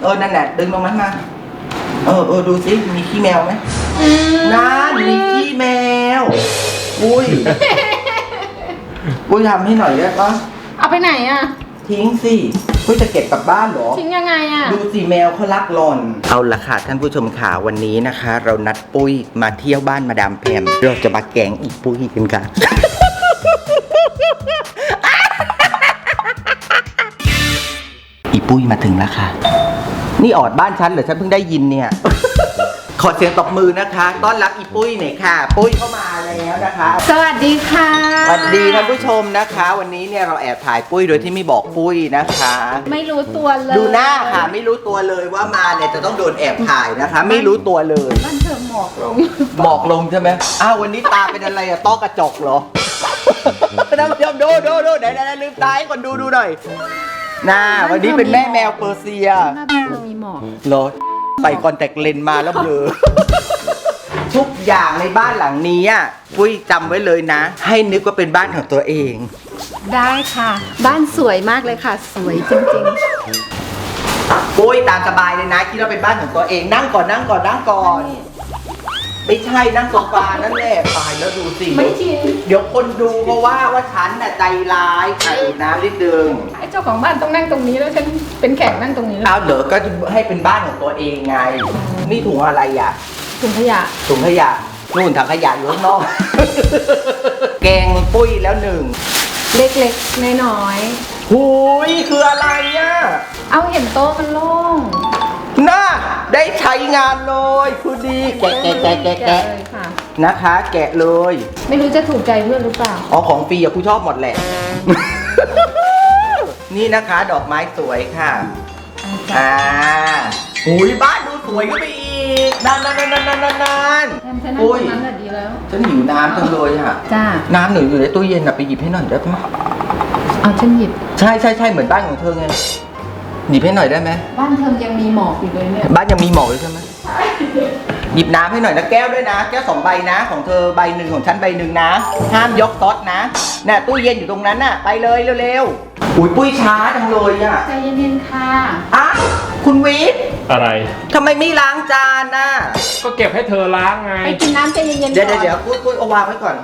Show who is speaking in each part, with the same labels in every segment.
Speaker 1: นั่นแหละดึงตรงนั้นมาดูสิมีขี้แมวไหมนั่นมีขี้แมวอุ้ยทำให้หน่อยได้ปะ
Speaker 2: เอาไปไหนอ่ะ
Speaker 1: ทิ้งสิปุ้ยจะเก็บกลับบ้านเหรอ
Speaker 2: ทิ้งยังไงอ่ะ
Speaker 1: ดูสิแมวเขารักหล่อนเอาละค่ะท่านผู้ชมข่าววันนี้นะคะ เรานัดปุ้ยมาเที่ยวบ้านมาดามแพมเราจะมาแกงอีปุ้ยกันค่ะ อีปุ้ยมาถึงแล้วค่ะนี่ออดบ้านฉันเหรอฉันเพิ่งได้ยินเนี่ย ขอเสียงตบมือนะคะต้อนรับอีปุ้ยหน่อยค่ะปุ้ยเข้ามาแล้วนะคะ
Speaker 2: สวัสดีค่ะ
Speaker 1: สวัสดีท่านผู้ชมนะคะ วันนี้เนี่ยเราแอบถ่ายปุ้ยโดยที่ไม่บอกปุ้ยนะคะ
Speaker 2: ไม่รู้ตัวเลย
Speaker 1: ดูหน้าค่ะไม่รู้ตัวเลยว่ามาเนี่ยจะต้องโดนแอบถ่ายนะคะ ไม่รู้ตัวเลย
Speaker 2: บ้านเธอหมอกลง
Speaker 1: หมอกลงใช่ไหมอ้าววันนี้ตาเป็นอะไรอะต้อกระจกเหรอ ท่านผู้ชมดูไหนลืมตาให้คนดูหน่อยน่าวันนี้เป็นแม่แมวเปอร์เซีย
Speaker 2: หน้าบ้านเธอมีหมอก
Speaker 1: เหรอใส่คอนแทคเลนส์มาแล้วเบลอ ทุกอย่างในบ้านหลังนี้อ่ะปุ้ยจำไว้เลยนะ ให้นึกว่าเป็นบ้านของตัวเอง
Speaker 2: ได้ค่ะ บ้านสวยมากเลยค่ะ สวยจริง
Speaker 1: ปุ้ยตามสบายเลยนะคิดว่าเป็นบ้านของตัวเองนั่งก่อนไม่ใช่นั่งโซฟานั่นแหละตายแล้วดูสิ
Speaker 2: ๆ ไม่จริง
Speaker 1: เดี๋ยวคนดูเพราะว่าฉันน่ะใจร้ายค่ะอีกน้ำนิดนึง
Speaker 2: ไอ้เจ้าของบ้านต้องนั่งตรงนี้แล้วฉันเป็นแขกนั่งตรงนี้แล้ว
Speaker 1: เอาเดี๋ยวก็จะให้เป็นบ้านของตัวเองไงนี่ถุงอะไรอ่ะ
Speaker 2: ถุงขยะ
Speaker 1: ถุงขยะนู่นถังขยะอยู่ข้างนอก แกงปุ้ยแล้วหนึ่ง
Speaker 2: เล็กๆน้อย
Speaker 1: หูยคืออะไรอ่ะ
Speaker 2: ๆเอาเห็นโต๊ะมันโล่ง
Speaker 1: น่าได้ใช้งานเลยคือดีแกะ
Speaker 2: เลยค่ะ
Speaker 1: นะคะ แกะเลย
Speaker 2: ไม่รู้จะถูกใจเพื่อนหรือเปล่า
Speaker 1: อ๋อของฟรีอะกูชอบหมดแหละ นี่นะคะดอกไม้สวยค่ะหูยบ้านดูสวยขึ้นไปอีกนาน
Speaker 2: แทนฉันนั่งตรงนั้นน่ะดีแล้ว
Speaker 1: ฉันหิวน้ำจังเลยอะ
Speaker 2: จ้า
Speaker 1: น้ำหนูอยู่ในตู้เย็นอะไปหยิบให้หน่อยได้ไหม
Speaker 2: เอาฉันหยิบ
Speaker 1: ใช่เหมือนบ้านของเธอไงหยิบให้หน่อยได้ไหม
Speaker 2: บ้านเธอยังมีหมอกอยู่เลยเนี่ย
Speaker 1: บ้านยังมีหมอกเลยใช่ไหมหยิบน้ำให้หน่อยนะแก้วด้วยนะแก้ว2 ใบนะของเธอใบหนึ่งของฉันใบหนึ่งนะห้ามยกต๊อดนะน่ะตู้เย็นอยู่ตรงนั้นน่ะไปเลยเร็วๆอุ้ยปุ้ยช้าจังเลยอะ
Speaker 2: ใจเย็นๆค่ะ
Speaker 1: อ้าวคุณวิทย์
Speaker 3: อะไร
Speaker 1: ทำไมไม่ล้างจานน่ะ
Speaker 3: ก็เก็บให้เธอล้างไง
Speaker 2: ไปกินน้ำใจเย็นๆก่อน
Speaker 1: เดี๋ยวปุ้ยเอาวางไว้ก่อน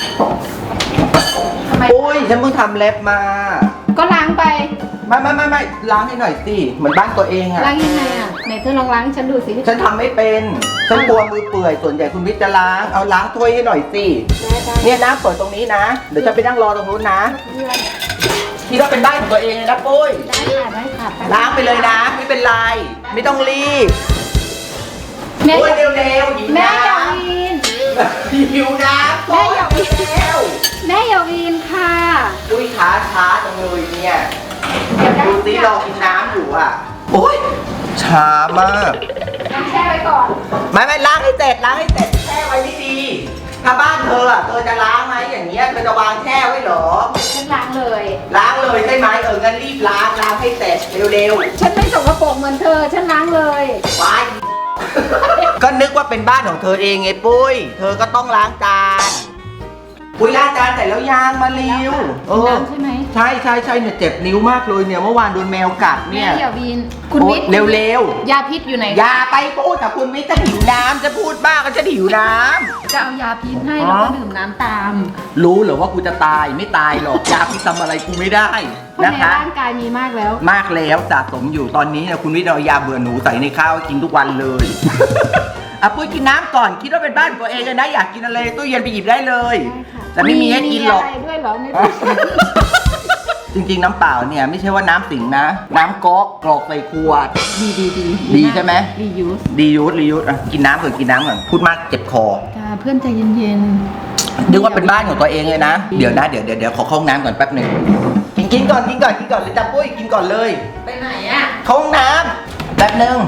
Speaker 2: ทำไม
Speaker 1: ปุ้ยฉันเพิ่งทำเล็บมา
Speaker 2: ก็ล้างไป
Speaker 1: ไม่ล้างให้หน่อยสิเหมือนบ้านตัวเองอะ
Speaker 2: ล้างยังไงอ่ะไหนเธอลองล้างให้ฉันดูสิ
Speaker 1: ฉันทำไม่เป็นฉันกลัวมือเปื่อยส่วนใหญ่คุณวิทย์จะล้างเอาล้างถ้วยให้หน่อยสิเนี่ยน้ำเปิดตรงนี้นะเดี๋ยวจะไปนั่งรอตรงนู้นนะคิดว่าเป็นบ้านของตัวเองเลยนะปุ้ย
Speaker 2: ได้ค่ะ
Speaker 1: ล้างไปเลยนะไม่เป็นไรไม่ต้องรีบ
Speaker 2: แม่
Speaker 1: ปุ้ยเร็วๆหยิบ
Speaker 2: แม่
Speaker 1: น้
Speaker 2: อย่าวีน
Speaker 1: ำหิวน้ำ
Speaker 2: แม่อย่าวีน
Speaker 1: เร็ว
Speaker 2: แม่อย่าวีนค่ะ
Speaker 1: ปุ้ยช้าจังเลยเนี่ย
Speaker 2: เดี๋ยวได้
Speaker 1: ดูสิรอกินน้ำอยู่อ่ะโอ้ยช้ามาก
Speaker 2: ล้างแช่ไว้ก่อน
Speaker 1: ไม่ล้างให้เสร็จแช่ไว้ไม่ดีถ้าบ้านเธออ่ะเธอจะล้างไหมอย่างเงี้ยเธอจะวางแช่ไว้เหรอ
Speaker 2: ฉันล้างเลย
Speaker 1: ล้างเลยใช่ไหมงั้นรีบล้างให้เสร็จเร็ว
Speaker 2: ฉันไม่สกปรกเหมือนเธอ ฉันล้างเลย
Speaker 1: ๆไป ก็นึกว่าเป็นบ้านของเธอเองไงปุ้ยเธอก็ต้องล้างจานปุ้ยล้างจานเสร็จแล้วยังมาเร็ว
Speaker 2: น้ำใช่ไหม
Speaker 1: ใช่เนี่ยเจ็บนิ้วมากเลยเนี่ยเมื่อวานโดนแมวกัด
Speaker 2: แม่
Speaker 1: เนี่ย
Speaker 2: อย่าวีนคุณวิทย์
Speaker 1: เร็วๆ
Speaker 2: ยาพิษอยู่ไหน
Speaker 1: อย่าไปพูดกับคุณวิทย์จะหิวน้ำจะพูดบ้าก็จะหิวน้
Speaker 2: จะเอายาพิษให้แล้วก็ดื่มน้ำตาม
Speaker 1: ำรู้เหรอว่ากูจะตายไม่ตายหรอกยาพิษทำอะไรกูไม่ได้
Speaker 2: เพราะ
Speaker 1: นะ
Speaker 2: ใน
Speaker 1: คะ
Speaker 2: ร่างกายมีมากแล้ว
Speaker 1: มากแล้วสะสมอยู่ตอนนี้เนี่ยคุณวิทย์เอายาเบื่อหนูใส่ในข้าวกินทุกวันเลย อ่ะปุ้ยกินน้ำก่อนคิดว่าเป็นบ้านตัวเองเลยนะอยากกินอะไรตู้เย็นไปหยิบได้เลยแต่ไม่มีให้กินหรอก
Speaker 2: มีอะไรด้วยเหรอใน
Speaker 1: จริงๆน้ำเปล่าเนี่ยไม่ใช่ว่าน้ำสิงนะ น้ำก๊อกกรอกใส่ขวด ดีใช่ไหม
Speaker 2: รียูส
Speaker 1: รียูสอ่ะกินน้ำก่อนพูดมากเจ็บคอ
Speaker 2: จ้าเพื่อนใจเย็น
Speaker 1: นึกว่าเป็นบ้านของตัวเองเลยนะ เดี๋ยวขอเข้าห้องน้ำก่อนแป๊บหนึ่งกินก่อนเลยจ้ะปุ้ยกินก่อนเลย
Speaker 2: ไปไหนอ่ะ
Speaker 1: เข้าห้องน้ำแป๊บหนึ่ง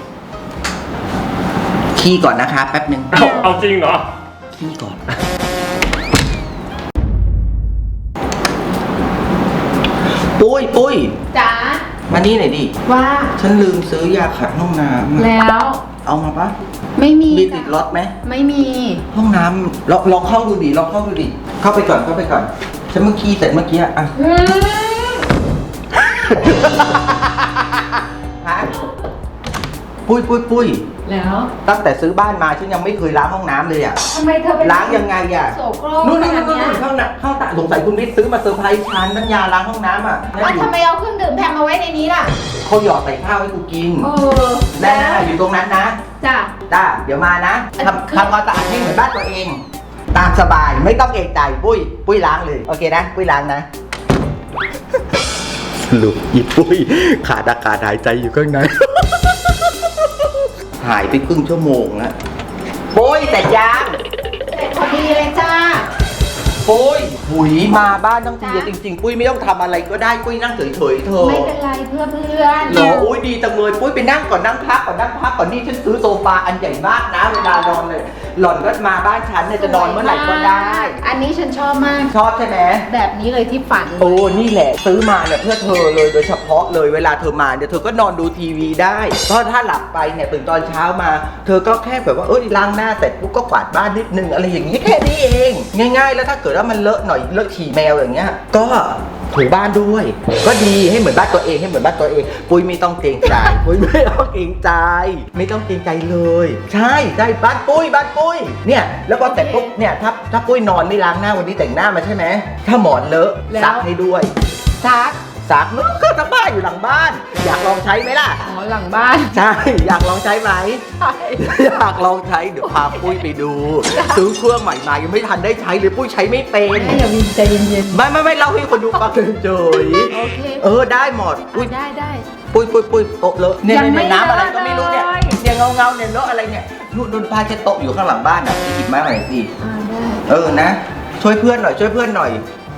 Speaker 1: ขี้ก่อนนะคะแป๊บหนึ่ง
Speaker 3: เอาจริงเหรอ
Speaker 1: ขี้ก่อนปุ้ย
Speaker 2: จ๋า
Speaker 1: มานี่หน่อยดิ
Speaker 2: ว่า
Speaker 1: ฉันลืมซื้อยาขัดห้องน้ำ
Speaker 2: แล้ว
Speaker 1: เอามาปะ
Speaker 2: ไม่มี
Speaker 1: มีติดรถไหม
Speaker 2: ไม่มี
Speaker 1: ห้องน้ำลองเข้าดูดิเข้าไปก่อนฉันเมื่อกี้เสร็จเมื่อกี้อ่ะ ฮะปุ้ย
Speaker 2: แล้ว
Speaker 1: ตั้งแต่ซื้อบ้านมาฉันยังไม่เคยล้างห้องน้ำเลยอ่ะ
Speaker 2: ทำไมเธอเป็น
Speaker 1: ล้างยังไงอ่ะ
Speaker 2: โสโครก
Speaker 1: นู่น
Speaker 2: ขนาดเนี้ย
Speaker 1: ข้างหน้าข้างตาสงสัยคุณวิทย์ซื้อมาเซอร์ไพรส์ฉันน้ำยาล้างห้องน้ำอ่ะ
Speaker 2: ทำไมเอาเครื่องดื่มแพมมาไว้ในนี้ล่ะ
Speaker 1: เขาหยอดใส่ข้าวให้กูกิน
Speaker 2: แล้
Speaker 1: นั่นอยู่ตรงนั้นนะ
Speaker 2: จ้ะ
Speaker 1: จ้าเดี๋ยวมานะทำความสะอาดให้เหมือนบ้านตัวเอง ตามสบายไม่ต้องเอกใจปุ้ยล้างเลยโอเคนะปุ้ยล้างนะลูกอีปุ้ยขาดอากาศหายใจอยู่ข้างใน หายไปครึ่งชั่วโมงแล้วปุ้ยแต่ยัง
Speaker 2: เสร็จพอดีเลยจ้า
Speaker 1: ปุ้ยหุยมาบ้านทั้งทีจริงๆปุ้ยไม่ต้องทำอะไรก็ได้ปุ้ยนั่งเฉยๆเธอ
Speaker 2: ไม่เป็นไรเพื่อน
Speaker 1: หรออุ้ยดีจังเลยปุ้ยไปนั่งก่อนนั่งพักก่อนนี่ฉันซื้อโซฟาอันใหญ่มากนะเวลานอนเลย หล่อนก็มาบ้านฉันเนี่ยจะนอนเมื่อไหร่ก็ได้
Speaker 2: อันนี้ฉันชอบมาก
Speaker 1: ชอบใช่ไหม
Speaker 2: แบบนี้เลยที่ฝัน
Speaker 1: โอ้นี่แหละซื้อมาเนี่ยเพื่อเธอเลยโดยเฉพาะเลยเวลาเธอมาเนี่ยเธอก็นอนดูทีวีได้เพราะถ้าหลับไปเนี่ยตื่นตอนเช้ามา เธอก็แค่แบบว่าล้างหน้าเสร็จปุ๊บก็กวาดบ้านนิดนึงอะไรอย่างนี้แค่นี้เองง่ายๆแล้วถ้าเกิดว่ามันเลอะหน่อยเลอะฉี่แมวอย่างเงี้ยก็ถูบ้านด้วย ก็ดีให้เหมือนบ้านตัวเองปุ้ยไม่ต้องเกรงใจปุ้ยไม่ต้องเกรงใจไม่ต้องเกรงใจเลยใช่บ้านปุ้ยเนี่ยแล้วก็แต่ปุ๊บเนี่ยถ้าปุ้ยนอนไม่ล้างหน้าวันนี้แต่งหน้ามาใช่ไหมถ้าหมอนเลอะซักให้ด้วย ซักมันก็ทั้งบ้านอยู่หลังบ้าน อยากลองใช้ไหมล่ะ
Speaker 2: อ๋อหลังบ้าน
Speaker 1: ใช่อยากลองใช้ไหม
Speaker 2: ใช่
Speaker 1: อยากลองใช้เดี๋ยวพาปุ้ยไปดูซื้อเครื่องใหม่มายังไม่ทันได้ใช้เลยปุ้ยใช้ไม่เป็น
Speaker 2: แม่อย่าวินใจเย็น
Speaker 1: ไม่เล่าให้คนดูฟังเฉย
Speaker 2: ๆโอเค
Speaker 1: ได้หมดปุ้ย
Speaker 2: ได้
Speaker 1: ปุ้ยโต๊ะเลอะเนี่ย
Speaker 2: ยังไม่
Speaker 1: น้ำอะไรก็ไม่รู้เนี่ย
Speaker 2: เลอะเลย
Speaker 1: เนี่ยเงาเนี่ยเลอะอะไรเนี่ยนู่นผ้าเช็ดโต๊ะอยู่ข้างหลังบ้านอ่ะหยิบมาหน่อยสิ
Speaker 2: ได้
Speaker 1: นะช่วยเพื่อนหน่อย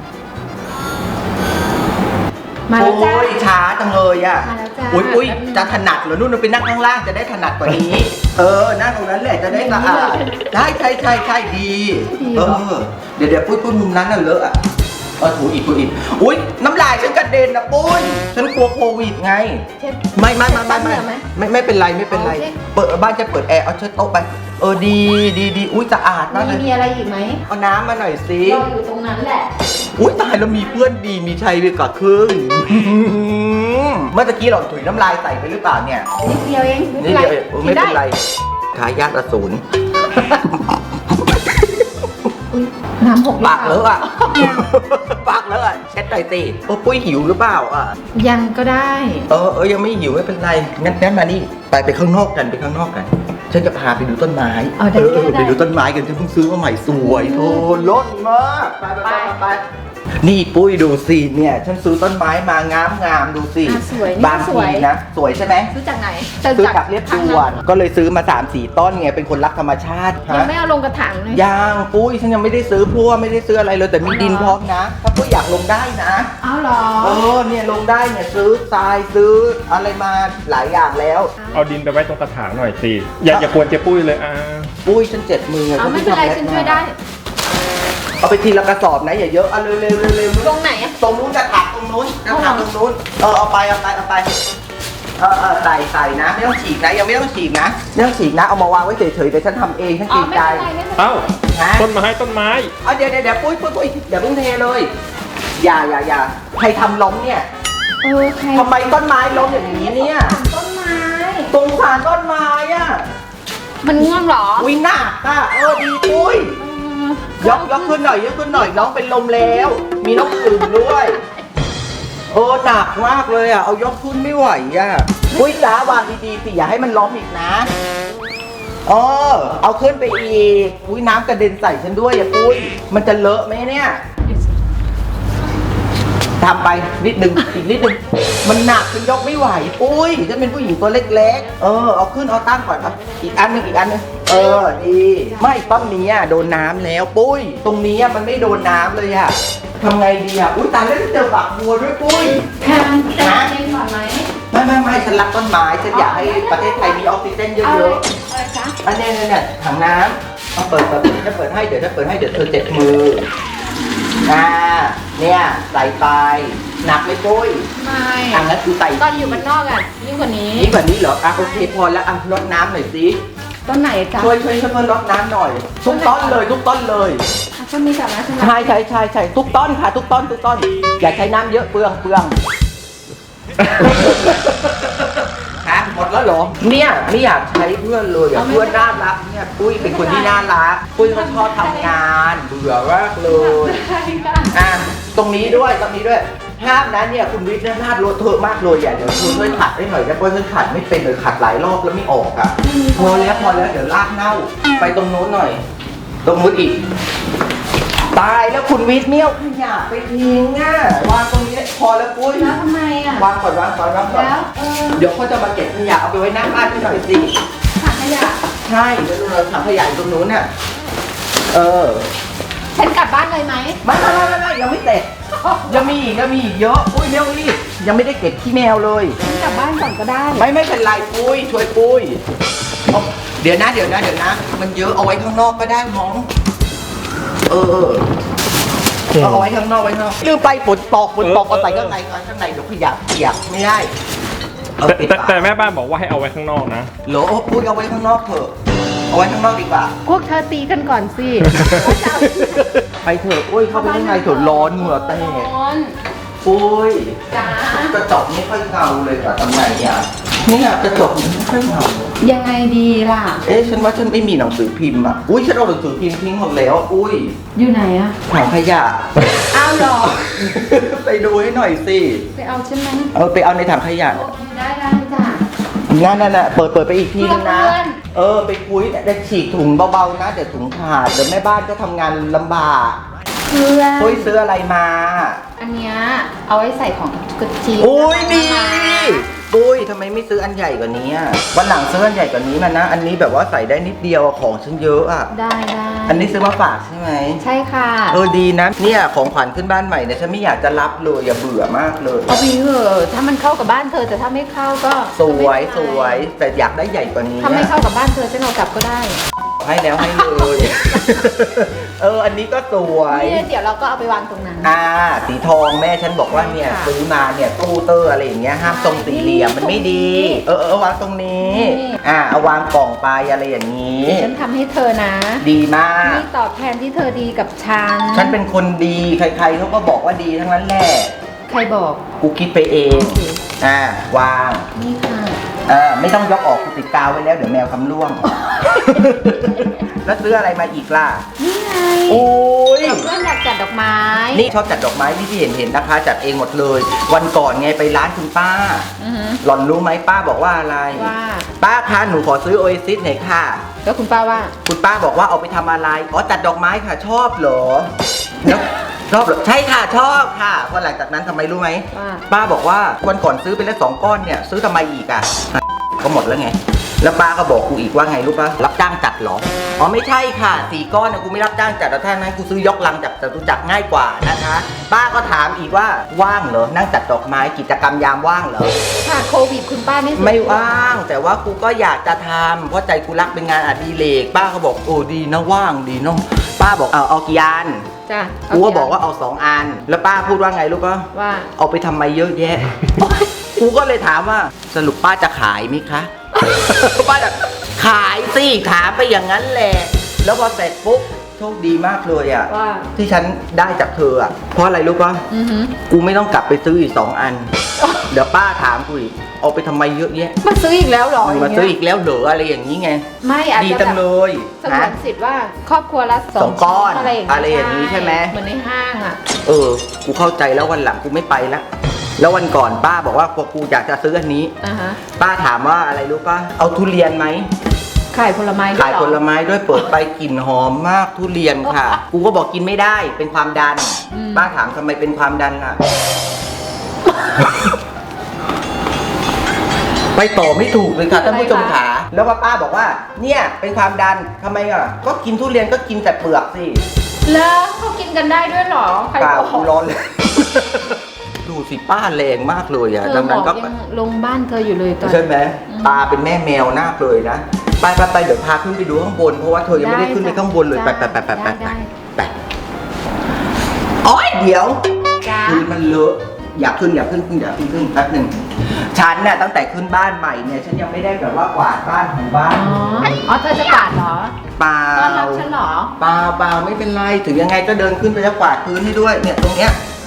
Speaker 2: มาแล้วจ้า
Speaker 1: โอ้ยช้าจังเลยอ่ะ
Speaker 2: มาแล้วจ้า
Speaker 1: อุ้ย
Speaker 2: แป๊บนึง
Speaker 1: จะถนัดเหรอนู่นไปนั่งข้างล่างจะได้ถนัดกว่านี้ นั่งตรงนั้นแหละจะได้สะอาดใช่ดี
Speaker 2: ดี
Speaker 1: เอ
Speaker 2: เหรอ
Speaker 1: อเดี๋ยวปุ้ยมุมนั้นน่ะเลอะอ่ะถูอีกอุ้ยน้ำลายฉันกระเด็นนะปุ้ยฉันกลัวโควิดไง
Speaker 2: เช็ด
Speaker 1: ไม่
Speaker 2: เช็ดแป๊บเดียวไหม
Speaker 1: ไม่เป็นไร
Speaker 2: โอเค
Speaker 1: เปิดบ้านจะเปิดแอร์เอาเช็ดโต๊ะไปดีอุ้ยสะอาดมากเลย
Speaker 2: มีอะไรอีกไหม
Speaker 1: เอาน้ำมาหน่อยสิ
Speaker 2: รออยู่ตรงนั้นแหละ
Speaker 1: อุ้ยตายแล้วมีเพื่อนดีมีชัยไปกว่าครึ่ง เมื่อตะกี้หล่อนถุยน้ำลายใส่ไปหรือเปล่าเนี่ย
Speaker 2: นิดเดียวเอง
Speaker 1: นี่เดียวเองไม่เป็นไร
Speaker 2: กิ
Speaker 1: ทายาทอสูร
Speaker 2: อุ๊ยน้ำหกหรือ
Speaker 1: ปาก
Speaker 2: เป
Speaker 1: เล
Speaker 2: ล่า
Speaker 1: อะอ่ะ ปากเลอะอ่ะเช็ดหน่อยสิปุ้ยหิวหรือเปล่าอ่ะ
Speaker 2: ยังก็ได้
Speaker 1: ยังไม่หิวไม่เป็นไรงั้นมานี่ไปข้างนอกกันฉันจะพาไปดูต้นไม้
Speaker 2: ได้
Speaker 1: ไปดูต้นไม้กันฉันเพิ่งซื้อมาใหม่สวยโอ้ล้นมากไปนี่ปุ้ยดูสิเนี่ยฉันซื้อต้นไม้มางามดูสิ
Speaker 2: สวย
Speaker 1: บาง
Speaker 2: สวย
Speaker 1: ทีนะสวยใช่ไหม
Speaker 2: ซื้อจากไหน
Speaker 1: ซื้อจากเรียบด่วนก็เลยซื้อมา 3-4 ต้นไงเป็นคนรักธรรมชาติ
Speaker 2: ยังไม่เอาลงกระถางเลย
Speaker 1: ยังปุ้ยฉันยังไม่ได้ซื้อพวกไม่ได้ซื้ออะไรเลยแต่มีดินพร้อมนะ ถ้าปุ้ยอยากลงได้นะ
Speaker 2: เอาเหรอ
Speaker 1: เนี่ยลงได้เนี่ยซื้อทรายซื้ออะไรมาหลายอย่างแล้ว
Speaker 3: เอาดินไปไว้ตรงกระถางหน่อยสิ อย่ากวนเจ๊ปุ้ยเลย
Speaker 1: ปุ้ยฉันเจ็บมือ
Speaker 2: เอาไม่เป็นไรฉันช่วยได้
Speaker 1: เอาไปทีละกระสอบนะอย่าเยอะเอาเร็ว
Speaker 2: ตรงไหนอะ
Speaker 1: ตรงนู้นกระถางตรงนู้นเอาไปใส่นะไม่ต้องฉีกนะยังไม่ต้องฉีกนะเอามาวางไว้เฉยๆเดี๋ยวฉันทำเองฉัน
Speaker 2: อ๋
Speaker 1: เก
Speaker 2: อ
Speaker 1: รง
Speaker 2: ไม่
Speaker 1: ใจ
Speaker 2: เป็นไรไม่เป็นไร
Speaker 3: เอ้า
Speaker 1: ฮะ
Speaker 3: ต้นไม้
Speaker 1: เดี๋ยวปุ้ยอย่าเพิ่งเทเลยอย่าใครทำล้มเนี่ย
Speaker 2: ใคร
Speaker 1: ทำไมต้นไม้ล้มอย่างนี้เนี่ย
Speaker 2: ต้นไม้
Speaker 1: ตรงสารต้นไม้อ่ะ
Speaker 2: มันง่วงเหรอ
Speaker 1: อุ้ยหนักอ่ะดีปุ้ยยกขึ้นหน่อยน้องเป็นลมแล้ว มีน้องอื่นด้วยหนักมากเลยอ่ะเอายกขึ้นไม่ไหวอ่ะปุ้ยจ๋าวางดีๆสิอย่าให้มันล้มอีกนะเอาขึ้นไปอีกอุ้ยน้ำกระเด็นใส่ฉันด้วยอ่ะปุ้ยมันจะเลอะไหมเนี่ยทำไปนิดนึงอีกนิดนึงมันหนักฉันยกไม่ไหวปุ้ยฉันเป็นผู้หญิงตัวเล็กๆเอาขึ้นเอาตั้งก่อนอีกอันนึงดีไม่ต้นนี้โดนน้ำแล้วปุ้ยตรงนี้มันไม่โดนน้ำเลยอะทำไงดีอะอุ้ยตายแล้วเจอฝักบัวด้วยปุ้ย
Speaker 2: แพมจะเล่นก่อนไหม
Speaker 1: ไม่ฉันรักต้นไม้ฉันอยากให้ประเทศไทยมีออกซิเจนเย
Speaker 2: เอาเลย
Speaker 1: อะ
Speaker 2: อะไรจ๊ะ
Speaker 1: ๆอันนี้ถังน้ำเอาเปิดจะเปิดให้เดี๋ยวเธอเจ็บมือเนี่ยใส่ไปหนักไหมปุ้ย
Speaker 2: ไม่
Speaker 1: งั้นคือใส่
Speaker 2: ตอนอยู่บ้านนอกอ่ะยิ่งกว่านี้
Speaker 1: นี่แบบนี้เหรอโอเคพอแล้วรดน้ำหน่อยสิ
Speaker 2: ต้นไหนจ๊ะ
Speaker 1: ช่วยเพื่อนรดน้ำหน่อยทุกต้นเลย
Speaker 2: ต้นนี้ก่อนนะใช่ไหม
Speaker 1: ใช่ทุกต้นค่ะทุกต้นอย่าใช้น้ำเยอะเปลืองฮะหมดแล้วเหรอเนี่ยไม่อยากใช้เพื่อนเลยเพื่อนน่ารักเนี่ยปุ้ยเป็นคนที่น่ารักปุ้ยก็ชอบทำงานเบื่อมากเลยตรงนี้ด้วยห้ามนะเนี่ยคุณวิทย์เนี่ยพลาดรถเถอะมากเลยเดี๋ยวคุณช่วยขัดให้หน่อยนะเพราะฉันขัดไม่เป็นเลยขัดหลายรอบแล้วไม่ออกอ่ะพอแล้วเดี๋ยวลากเน่าไปตรงโน้นหน่อยตรงนู้นอีกตายแล้วคุณวิทย์เมี่ยวขยะไปทิ้งอ่ะวางตรงนี้พอแล้วปุ้ย
Speaker 2: แล้วทำไมอ่ะ
Speaker 1: วางก่อนแล้วเดี๋ยวเขาจะมาเก็บขยะเอาไปไว้หน้าบ้านให้หน่อยสิ
Speaker 2: ถังขยะ
Speaker 1: ใช่แล้วเราถังขยะอยู่ตรงนู้นน่ะ
Speaker 2: ฉันกลับบ้านเลยไหม
Speaker 1: ไม่ยังไม่เสร็จยังมีอีกเยอะปุ้ยเร็วรีบยังไม่ได้เก็บขี้แมวเลย
Speaker 2: ฉันกลับบ้านก่อนก็ได้
Speaker 1: ไม่เป็นไรปุ้ยช่วยปุ้ยเดี๋ยวนะมันเยอะเอาไว้ข้างนอกก็ได้น้องเอาไว้ข้างนอกลืมไปฝนตกเอาใส่ข้างในเดี๋ยวขยะเปียกไม่ได้
Speaker 3: แต่แม่บ้านบอกว่าให้เอาไว้ข้างนอกนะ
Speaker 1: โหลปุ้ยเอาไว้ข้างนอกเถอะเอาไว้ข้างนอกดีกว่า
Speaker 2: พวกเธอตีกันก่อนสิ
Speaker 1: ไปเถอะปุ้ยเข้าไปข้างในเถอะร้อนเหงื่อแตกปุ้ย
Speaker 2: จ้าก
Speaker 1: ระจกไม่ค่อยเงาเลยอะทำไงเนี่ยกระจกไม่ค่อยเงา
Speaker 2: ยังไงดีล่ะ
Speaker 1: ฉันว่าฉันไม่มีหนังสือพิมพ์อ่ะอุ้ยฉันเอาหนังสือพิมพ์ทิ้งหมดแล้วอุ้ย
Speaker 2: อยู่ไหนอะ
Speaker 1: ถังขยะ
Speaker 2: เอาหรอ
Speaker 1: ไปดูให้หน่อยสิ
Speaker 2: ไปเอาใช่ไหม
Speaker 1: ไปเอาในถังขยะ
Speaker 2: โอเคได้จ้ะ
Speaker 1: นั่นน่ะเปิดไปอีกทีนึงนะ
Speaker 2: เพื่อน
Speaker 1: ไปคุยแต่ฉีกถุงเบาๆนะเดี๋ยวถุงขาดเดี๋ยวแม่บ้านก็ทำงานลำบาก
Speaker 2: เพื่อน
Speaker 1: ปุ้ยซื้ออะไรมา
Speaker 2: อันเนี้ยเอาไว้ใส่ของกระจี
Speaker 1: อุ้ยดีปุ้ยทำไมไม่ซื้ออันใหญ่กว่านี้อะวันหลังซื้ออันใหญ่กว่านี้มานะอันนี้แบบว่าใส่ได้นิดเดียวของฉันเยอะอ่ะ
Speaker 2: ได้
Speaker 1: อันนี้ซื้อมาฝากใช่ไหม
Speaker 2: ใช่ค่ะ
Speaker 1: ดีนะเนี่ยของขวัญขึ้นบ้านใหม่เนี่ยฉันไม่อยากจะรับเลยอย่าเบื่อมากเลย
Speaker 2: เอาไปเถอะถ้ามันเข้ากับบ้านเธอแต่ถ้าไม่เข้าก็
Speaker 1: สวยแต่อยากได้ใหญ่กว่านี้
Speaker 2: ถ้าไม่เข้ากับบ้านเธอฉันเอากลับก็ได้
Speaker 1: ให้แล้วให้เลย อันนี้ก็สวย
Speaker 2: นี่เดี๋ยวเราก็เอาไปวางตรงนั้น
Speaker 1: สีทองแม่ฉันบอกว่าเนี่ย
Speaker 2: ค่ะ
Speaker 1: ซื้อมาเนี่ยตู้เตอร์อะไรอย่างเงี้ยห้ามทรงสี่เหลี่ยมมันไม่ดี วางตรงนี้
Speaker 2: นี่
Speaker 1: เอาวางกล่องไปอะไรอย่างนี้
Speaker 2: ฉันทำให้เธอนะ
Speaker 1: ดีมาก
Speaker 2: นี่ตอบแทนที่เธอดีกับฉัน
Speaker 1: ฉันเป็นคนดีใครๆเขาก็บอกว่าดีทั้งนั้นแหละ
Speaker 2: ใครบอก
Speaker 1: กูคิดไปเอง
Speaker 2: โอเค
Speaker 1: วาง
Speaker 2: นี่ค่ะ
Speaker 1: ไม่ต้องยกออกกูติดกาวไว้แล้วเดี๋ยวแมวคำล่วง แล้วซื้ออะไรมาอีกล่ะ
Speaker 2: นี่ไง
Speaker 1: โอ้ย
Speaker 2: เพื่อนอยากจัดดอกไม้
Speaker 1: นี่ชอบจัดดอกไม้ที่เห็นนะคะ จัดเองหมดเลย วันก่อนไงไปร้านคุณป้า
Speaker 2: อือฮึ
Speaker 1: หล่อนรู้ไหมป้าบอกว่าอะไร
Speaker 2: ว่า
Speaker 1: ป้าคะหนูขอซื้อโอเอซิสหน่อยค่ะ
Speaker 2: แล้วคุณป้าว่า
Speaker 1: คุณป้าบอกว่าเอาไปทำอะไรจัดดอกไม้ค่ะชอบเหรอแล้วชอบเหรอใช่ค่ะชอบค่ะพอหลังจากนั้นทำไมรู้ไหม
Speaker 2: ว่า
Speaker 1: ป้าบอกว่าวันก่อนซื้อไปแล้ว2 ก้อนเนี่ยซื้อทำไมอีกอ่ะก็หมดแล้วไงแล้วป้าก็บอกกูอีกว่าไงรู้ป่ะรับจ้างจัดเหรอไม่ใช่ค่ะ4 ก้อนนะกูไม่รับจ้างจัดแต่ถ้านั้นกูซื้อยกลังจากจตุจักรง่ายกว่านะคะ ป้าก็ถามอีกว่าว่างเหรอนั่งจัดดอกไม้กิจกรรมยามว่างเหรอ
Speaker 2: ค่ะโควิดคุณป้าไม่
Speaker 1: ไม่ว่างแต่ว่ากูก็อยากจะทำเพราะใจกูรักเป็นงานอดิเรกป้าก็บอกดีนะว่างดีเนาะป้าบอกเอากี่อัน
Speaker 2: จ้ะ
Speaker 1: กูก็บอกว่าเอา2 อันแล้วป้าพูดว่าไงรู้ป่ะ
Speaker 2: ว่า
Speaker 1: เอาไปทำไมเยอะแยะ กูก็เลยถามว่าสรุปป้าจะขายไหมคะ ป้าจะขายสิถามไปอย่างนั้นแหละแล้วพอเสร็จปุ๊บโชคดีมากเลยอ่ะ
Speaker 2: ว่า
Speaker 1: ที่ฉันได้จากเธออ่ะเพราะอะไรรู้ป่ะ
Speaker 2: อือฮึ
Speaker 1: กูไม่ต้องกลับไปซื้ออีก2 อัน เดี๋ยวป้าถามกูอีกเอาไปทำไมเยอะแยะ
Speaker 2: มาซื้ออีกแล้วเหรอ
Speaker 1: มาซื้ออีกแล้วเหรออะไรอย่างนี้ไง
Speaker 2: ไม่อาจ
Speaker 1: ดี
Speaker 2: จะ
Speaker 1: จังเลย
Speaker 2: สงวนสิทธิ์ว่าครอบครัวละ
Speaker 1: สองก้อน
Speaker 2: อะไร
Speaker 1: อะไรอย่างนี้ใช่ไหม
Speaker 2: เหมือนในห้างอ่ะ
Speaker 1: กูเข้าใจแล้ววันหลังกูไม่ไปละแล้ววันก่อนป้าบอกว่ากูอยากจะซื้ออันนี้
Speaker 2: ฮะ
Speaker 1: ป้าถามว่าอะไรรู้ป่ะเอาทุเรียนไหม
Speaker 2: ขายผลไม้ด้วย
Speaker 1: ขาย
Speaker 2: เหรอ
Speaker 1: ผลไม้ด้วยเปิดไปกลิ่นหอมมากทุเรียนค่ะ กูก็บอกกินไม่ได้เป็นความดัน ป้าถามทำไมเป็นความดันล่ะ ไปต่อไม่ถูกเลยค่ะท่านผู้ชมขาแล้วป้าบอกว่าเนี่ยเป็นความดันทำไมอ่ะก็กินทุเรียนก็กินแต่เปลือกสิ
Speaker 2: แล้วเขากินกันได้ด้วยเหรอใคร
Speaker 1: เปล่า
Speaker 2: บอก
Speaker 1: กูร้อนเลย ดูสิป้าแรงมากเลยอ่ะ
Speaker 2: เธ
Speaker 1: ดั
Speaker 2: อง บ
Speaker 1: นั้
Speaker 2: อน ก
Speaker 1: ก็
Speaker 2: ยังลงบ้านเธออยู่เลยตอน
Speaker 1: ใช่ไหมตาเป็นแม่แมวนาคเลยนะไปเดี๋ยวพาขึ้นไปดูข้างบนเพราะว่าเธอยังไม่ได้ขึ้นไปข้างบนเลยไป โอ๊ยเดี๋ยว
Speaker 2: จ้า
Speaker 1: พื้นมันเลอะอยากขึ้นแป๊บหนึ่งฉันเนี่ยตั้งแต่ขึ้นบ้านใหม่เนี่ยฉันยังไม่ได้แบบว่ากวาดบ้านของบ้าน
Speaker 2: อ๋อเธอจะกวาดเหรอ
Speaker 1: เปล่า
Speaker 2: ต้อนรับฉันเหรอ
Speaker 1: เปล่าไม่เป็นไรถึงยังไงก็เดินขึ้นไปแล้วกวาดพื้นให้ด้วยเนี่ยตรงเนี้ย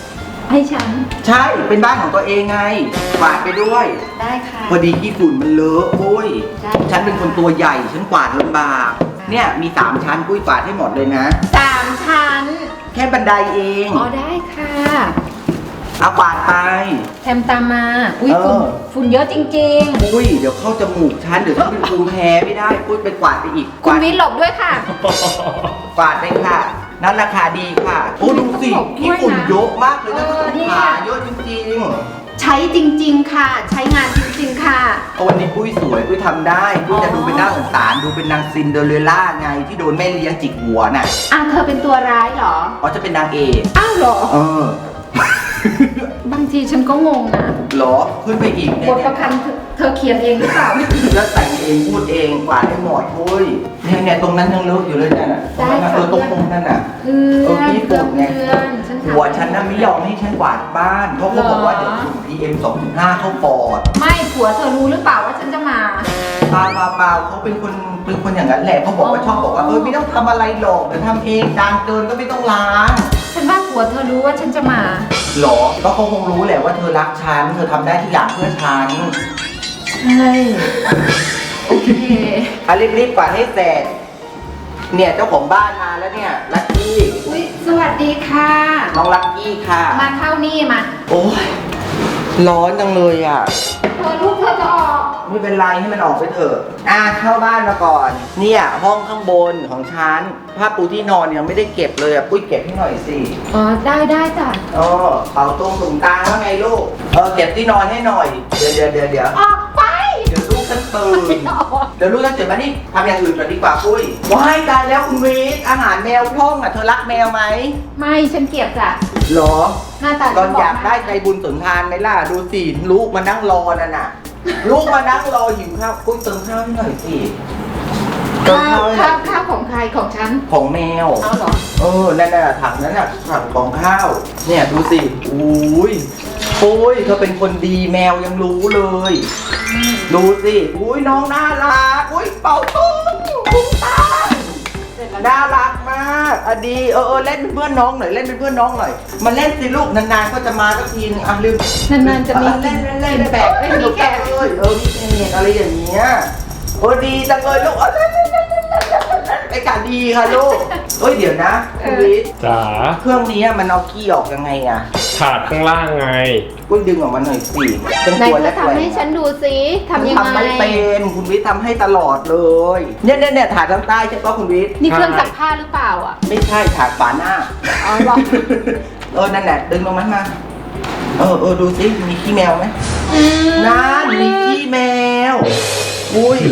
Speaker 2: ให้ฉัน
Speaker 1: ใช่เป็นบ้านของตัวเองไงกวาดไปด้วย
Speaker 2: ได้ค่ะ
Speaker 1: พอดีขี้ฝุ่นมันเลอะปุ้ย
Speaker 2: ได้
Speaker 1: ฉันเป็นคนตัวใหญ่ฉันกวาดลำบากเนี่ยมี3ชั้นปุ้ยกวาดให้หมดเลยนะ
Speaker 2: 3 ชั้น
Speaker 1: แค่บันไดเอง
Speaker 2: อ๋อได้ค่ะ
Speaker 1: เอากวาดไป
Speaker 2: แทมตามมาอุ้ย
Speaker 1: เออ
Speaker 2: ฝุ่นเยอะจริง
Speaker 1: ปุ้ยเดี๋ยวเข้าจมูกฉันเดี๋ยวฉันเป็นภูมิแพ้ไม่ได้ปุ้ยไปกวาดไปอีก
Speaker 2: ๆ
Speaker 1: ก
Speaker 2: คุณ
Speaker 1: วาด
Speaker 2: วิทย์หลบด้วยค่ะ
Speaker 1: กวาดไปค่ะนั่นราคาดีค่ะโอ้ดูสิขี้ฝุ่นเยอะมากเลยนะ
Speaker 2: เนี่ย
Speaker 1: ขาเยอะจริง
Speaker 2: ใช้จริง ๆ ค่ะ ใช้งานจริง ๆ ค่ะ
Speaker 1: ๆเอาวันนี้ปุ้ยสวยปุ้ยทำได้ปุ้ยจะดูเป็นน่าสงสารดูเป็นนางซินเดอเรลล่าไงที่โดนแม่เลี้ยงจิกหัวน่ะ
Speaker 2: อ่ะเธอเป็นตัวร้ายเหรอ
Speaker 1: อ๋อจะเป็นนางเอก
Speaker 2: อ้าวเหรอ
Speaker 1: เออ
Speaker 2: บางทีฉันก็งงนะ
Speaker 1: เหรอขึ้นไปอีก
Speaker 2: บทประพันธ์เธอเขียนเองหรือเปล่า
Speaker 1: แล้วแต่งเองพูดเองกวาดให้หมดปุ้ยเนี่ยตรงนั้นยังเลอะอยู่เลยเนี่ยน่ะตรงนั้นน่ะ
Speaker 2: ได้ค่ะ
Speaker 1: ตรงนั้นน่ะ
Speaker 2: เพื่อน
Speaker 1: พี่
Speaker 2: เพื่
Speaker 1: ปุ่
Speaker 2: อน
Speaker 1: นไง
Speaker 2: เพื่อนฉัน
Speaker 1: หัวฉันน่ะไม่ยอมให้ฉันกวาดบ้านเพราะเขาบอกว่าเดี๋ยวฝุ่น PM 2.5 เข้าปอด
Speaker 2: ไม่ผัวเธอรู้หรือเปล่าว่าฉันจะมา
Speaker 1: เปล่าเขาเป็นคนอย่างนั้นแหละเขาบอกว่าชอบบอกว่าไม่ต้องทำอะไรหรอกเดี๋ยวทำเองจานเกินก็ไม่ต้องล้าง
Speaker 2: ฉันว่าผัวเธอรู้ว่าฉันจะมา
Speaker 1: หรอก็เขาคงรู้แหละว่าเธอรักฉันเธอทำได้ทุกอย่างเพื่อฉัน
Speaker 2: ใช่โอเค
Speaker 1: รีบกวาดให้เสร็จเนี่ยเจ้าของบ้านมาแล้วเนี่ยลักกี้
Speaker 2: อุ๊ยสวัสดีค่ะ
Speaker 1: น้องลักกี้ค่ะ
Speaker 2: มาเข้านี่มา
Speaker 1: โอ้ยร้อนจังเลยอ่ะ
Speaker 2: เธอลูกเธอจะออก
Speaker 1: ไม่เป็นไรให้มันออกไปเถอะเข้าบ้านมาก่อน เนี่ยห้องข้างบนของฉันผ้าปูที่นอนยังไม่ได้เก็บเลยอ่ะปุ้ยเก็บให้หน่อยสิ
Speaker 2: อ๋อได้จ้ะ
Speaker 1: เป่าตรงถุงกลางว่าไงลูกเก็บที่นอนให้หน่อย เดี๋ยว
Speaker 2: ออกไป
Speaker 1: เดี๋ยวลูกฉันตื่น
Speaker 2: ไม่ออก
Speaker 1: เดี๋ยวลูกฉันตื่นมานี่ทำอย่างอื่นก่อนดีกว่าปุ้ยว้ายตายแล้วคุณวีทอาหารแมวท่องอ่ะเธอรักแมวไหม
Speaker 2: ไม่ฉันเกลียดจ้ะ
Speaker 1: หรอ
Speaker 2: หน้าตา
Speaker 1: ตอน
Speaker 2: ฉับ
Speaker 1: อยากได้ใจบุญสุนทานไหมล่ะดูสิลูกมานั่งรอนั่นน่ะ ลูกมานั่งรอหิวข้าวปุ้ยเติมข้าวให้หน่อยสิเติม
Speaker 2: ข้า
Speaker 1: ข้าว วให้หน่อย
Speaker 2: ข้าวของใครของฉัน
Speaker 1: ของแมว
Speaker 2: เอาเหรอ
Speaker 1: นั่นน่ะถังนั้นน่ะถังของข้าว เนี่ยดูสิอุ้ยโอ้ยเธอเป็นคนดีแมวยังรู้เลย ดูสิอุ้ยน้องน่ารักอุ้ยเป่าตุ้งตุ้งตาน่ารักมากดีเล่นเป็นเพื่อนน้องหน่อยเล่นเป็นเพื่อนน้องหน่อยมาเล่นสิลูกนานๆก็จะมาสักทีนึงลืม
Speaker 2: นานๆจะมี
Speaker 1: เล่น
Speaker 2: กินแปลกไม่มีแขก
Speaker 1: เลยมีแขกอะไรอย่างเงี้ยดีจังเลยลูกเล่นไอ้กาดีค่ะลูกเดี๋ยวนะคุณวิทย์
Speaker 3: จ๋า
Speaker 1: เครื่องนี้มันเอาขี้ออกยังไงอ่ะ
Speaker 3: ถาดข้างล่างไง
Speaker 1: กุ้ยดึงออกมาหน่อยสิเป็น
Speaker 2: ไหน
Speaker 1: ตัว
Speaker 2: เธ
Speaker 1: แร
Speaker 2: อก ทำให้ฉันดูสิทำยังไง
Speaker 1: ทำไม่เป็นคุณวิทย์ทำให้ตลอดเลยเนี่ยถาดทางใต้ใช่ปะคุณวิทย์
Speaker 2: นี่เครื่องซักผ้าหรือเปล่าอ่ะ
Speaker 1: ไม่ใช่ถาดฝาหน้า
Speaker 2: อ๋อเหรอ
Speaker 1: นั่นแหละดึงลงมันมาดูสิมีขี้แมวไหมนั่นมีขี้แมวอุ้ย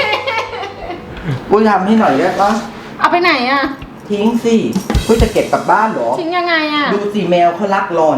Speaker 1: ทำให้หน่อยได้ปะ
Speaker 2: เอาไปไหนอ่ะ
Speaker 1: ทิ้งสิกุ้ยจะเก็บกลับบ้านเหรอ
Speaker 2: ทิ้งยังไงอ่ะ
Speaker 1: ดูสิแมวเขารักหล่อน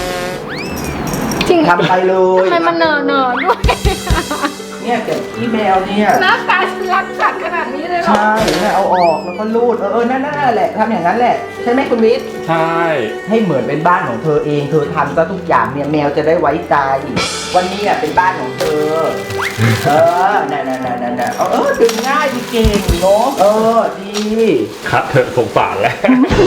Speaker 2: ทิ้ง
Speaker 1: ทำไปเลย
Speaker 2: ทำไมมันเหนอด้วย
Speaker 1: เนี่ยเก็บขี้แมวเนี่ย
Speaker 2: หน้าตาฉันรักสัตว์ขนาดนี้เลยเหรอ
Speaker 1: ใช่เนี่ยเอาออกแล้วก็รูดนั่นแหละทำอย่างนั้นแหละใช่ไหมคุณวิทย์
Speaker 3: ใช่
Speaker 1: ให้เหมือนเป็นบ้านของเธอเองเธอทำซะทุกอย่างเนี่ยแมวจะได้ไว้ใจ วันนี้อ่ะเป็นบ้านของเธอนั่นดึงง่ายดีเก่งเนาะดี
Speaker 3: คัดเถอะสงสารแล้ว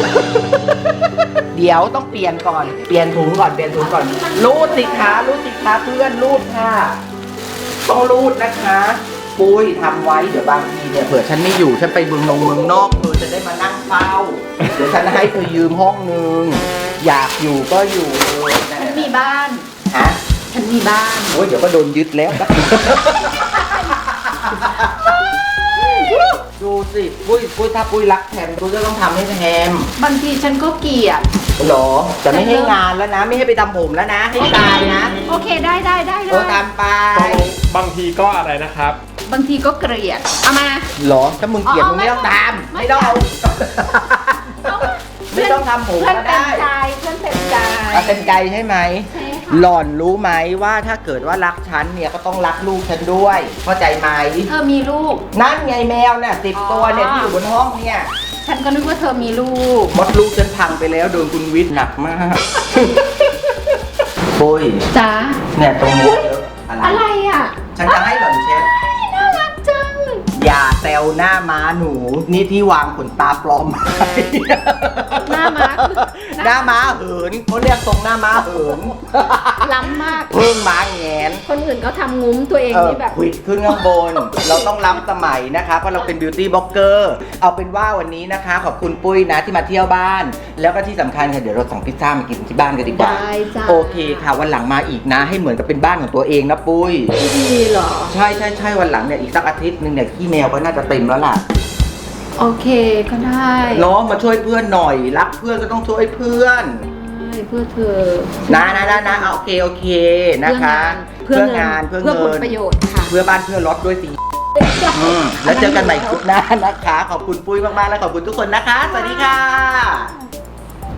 Speaker 1: เดี๋ยวต้องเปลี่ยนก่อนเปลี่ยนถุงก่อนรูดสิคะเพื่อนรูดค่ะต้องรูดนะคะปุ้ยทำไว้เดี๋ยวบางทีเนี่ยเผื่อฉันไม่อยู่ฉันไปเมืองนอกเธอจะได้มานั่งเฝ้าเดี๋ยวฉันให้เธอยืมห้องนึงอยากอยู่ก็อยู่เลยนะ
Speaker 2: ฉันมีบ้าน
Speaker 1: ฮะ
Speaker 2: ฉันมีบ้าน
Speaker 1: โอ้ยเดี๋ยวก็โดนยึดแล้วนะ ดูสิปุ้ยถ้าปุ้ยรักแทมปุ้ยก็ต้องทำให้แทม
Speaker 2: บางทีฉันก็เกลียด
Speaker 1: หรอจะไม่ให้งานแล้วนะ ไม่ให้ไปทำผมแล้วนะ ให้ตายนะ
Speaker 2: โอเคได้เลย
Speaker 1: ทำไป
Speaker 3: บางทีก็อะไรนะครับ
Speaker 2: บางทีก็เกลียด เอามา
Speaker 1: หรอถ้ามึงเกลียด
Speaker 2: เอา
Speaker 1: มึงไม่ต้องทำ
Speaker 2: ไม่
Speaker 1: ไม่ต้อง
Speaker 2: เอามา
Speaker 1: ไม่ต้องทำผม
Speaker 2: เพื่อน
Speaker 1: ก็
Speaker 2: เต็ม
Speaker 1: ได้
Speaker 2: ใจเพื่อนเต็มใจ
Speaker 1: เอาเป็นไกลใช่ไหม
Speaker 2: ใช่ค่ะ
Speaker 1: หล่อนรู้ไหมว่าถ้าเกิดว่ารักฉันเนี่ยก็ต้องรักลูกฉันด้วยเข้าใจไหม
Speaker 2: เธอมีลูก
Speaker 1: นั่นไงแมวน่ะ10 ตัวเนี่ยที่อยู่บนห้องเนี่ย
Speaker 2: ฉันก็นึกว่าเธอมีลูก
Speaker 1: มดลูกฉันพังไปแล้วโดนคุณวิทย์หนักมาก ปุ้ย
Speaker 2: จ้า
Speaker 1: เนี่ยตรงนี้เยอะอะไร
Speaker 2: อะไรอ่ะ
Speaker 1: ฉันจะให้หล่อนเช็ด
Speaker 2: น่ารักจัง
Speaker 1: อย่าแซวลหน้าม้าหนู นี่ที่วางขนตาปลอม
Speaker 2: หน้าม้า
Speaker 1: หน้าม้าเหินเขาเรียกทรงหน้าม้าเหิน
Speaker 2: ล้ำมาก
Speaker 1: เพิ่งม้าแงน
Speaker 2: คนอื่นเขาทำงุ้มตัวเองนี่แบบ
Speaker 1: ควิดขึ้นข้างบน เราต้องล้ำสมัยนะคะ เพราะเราเป็นบิวตี้บล็อกเกอร์เอาเป็นว่าวันนี้นะคะ ขอบคุณปุ้ยนะที่มาเที่ยวบ้าน แล้วก็ที่สำคัญค่ะเดี๋ยวเราสั่งพิซซ่ามากินที่บ้านกันดีกว่า
Speaker 2: ได้จ้า
Speaker 1: โอเคค่ะวันหลังมาอีกนะ ให้เหมือนกับเป็นบ้านของตัวเองนะปุ้ย
Speaker 2: ไม่ดีเหรอ
Speaker 1: ใช่ใช่ใช่วันหลังเนี่ยอีกสักอาทิตย์หนึงเนี่ยขี้แมวก็น่าจะเต็มแล้วล่ะ
Speaker 2: โอเคก็ได้
Speaker 1: เนาะมาช่วยเพื่อนหน่อยรักเพื่อนก็ต้องช่วยเพื่อน
Speaker 2: ใช่เพื่อเธอ
Speaker 1: นะโอเคโอเคนะคะ
Speaker 2: เพื่องาน
Speaker 1: เพื่อ
Speaker 2: เพื่อผ
Speaker 1: เงิ
Speaker 2: ล
Speaker 1: น
Speaker 2: ประโยชน์ค่ะ
Speaker 1: เพื่อบ้านเพื่อรถด้วยสิแล้วเจอกันใหม่คลิปหน้านะคะ ขอบคุณปุ้ยมากๆและขอบคุณทุกคนนะคะ สวัสดีค่ะ